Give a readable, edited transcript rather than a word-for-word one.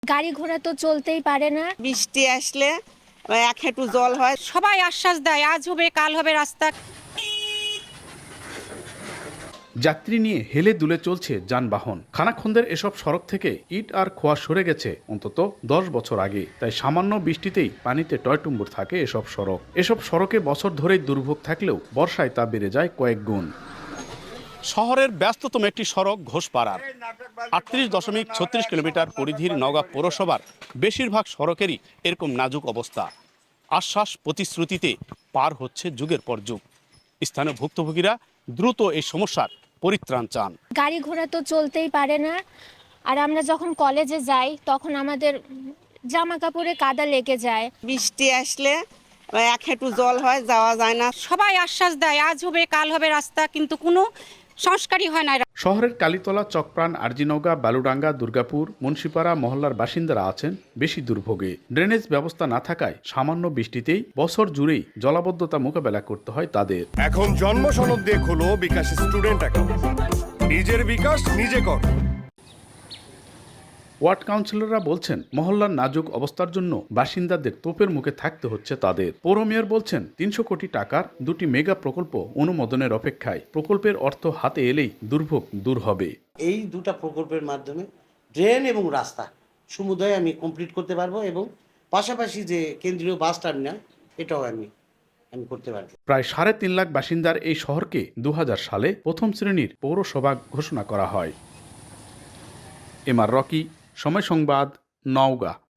গাড়ি ঘোড়া তো চলতেই পারে না। বৃষ্টি আসলে এক হাঁটু জল হয়। সবাই আশ্বাস দেয় আজ হবে কাল হবে রাস্তা। যাত্রী নিয়ে হেলে দুলে চলছে যানবাহন। খানাখন্দের এসব সড়ক থেকে ইট আর খোয়া সরে গেছে অন্তত 10 বছর আগে। তাই সামান্য বৃষ্টিতেই পানিতে টয়টুম্বুর থাকে এসব সড়ক। এসব সড়কে বছর ধরেই দুর্ভোগ থাকলেও বর্ষায় তা বেড়ে যায় কয়েক গুণ। শহরের ব্যস্ততম একটি সড়ক ঘোষপাড়ার 38.36 কিলোমিটার পরিধির নওগাঁ পৌরসভার বেশিরভাগ সড়কেরই এরকম নাজুক অবস্থা। আশ্বাস প্রতিশ্রুতিতে পার হচ্ছে যুগের পর যুগ। স্থানীয় ভুক্তভোগীরা দ্রুত এই সমস্যার পরিত্রাণ চান। গাড়ি ঘোড়া তো চলতেই পারে না। আর আমরা যখন কলেজে যাই তখন আমাদের জামা কাপড়ে কাদা লেগে যায়। বৃষ্টি আসলে এক হাঁটু জল হয়, যাওয়া যায় না। সবাই আশ্বাস দেয় আজ হবে কাল হবে রাস্তা, কিন্তু কোনো সংস্কারই হয় না। শহরের কালীতলা, চকপ্রাণ, আরজিনৌগা, বালুডাঙ্গা, দুর্গাপুর, মুন্সিপাড়া মহল্লার বাসিন্দারা আছেন বেশি দুর্ভোগে। ড্রেনেজ ব্যবস্থা না থাকায় সামান্য বৃষ্টিতেই বছর জুড়েই জলাবদ্ধতা মোকাবেলা করতে হয় তাদের। এখন জন্ম সনদ দিয়ে খোলো বিকাশ স্টুডেন্ট অ্যাকাউন্ট। নিজের বিকাশ নিজে কর। ওয়ার্ড কাউন্সিলররা বলছেন মহল্লার নাজুক অবস্থার জন্য বাসিন্দাদের তোপের মুখে থাকতে হচ্ছে তাদের। পৌর মেয়র বলছেন 300 কোটি টাকার 2টি মেগা প্রকল্প অনুমোদনের অপেক্ষায়। প্রকল্পের অর্থ হাতে এলেই দুর্ভোগ দূর হবে। এই দুটা প্রকল্পের মাধ্যমে ড্রেন এবং রাস্তা সমুদায় আমি কমপ্লিট করতে পারবো, এবং পাশাপাশি যে কেন্দ্রীয় বাস টার্মিনাল এটাও আমি করতে পারবো। প্রায় 3.5 লাখ বাসিন্দার এই শহরকে 2000 সালে প্রথম শ্রেণীর পৌরসভা ঘোষণা করা হয়। এমআর রকি, সময় সংবাদ, নওগাঁ।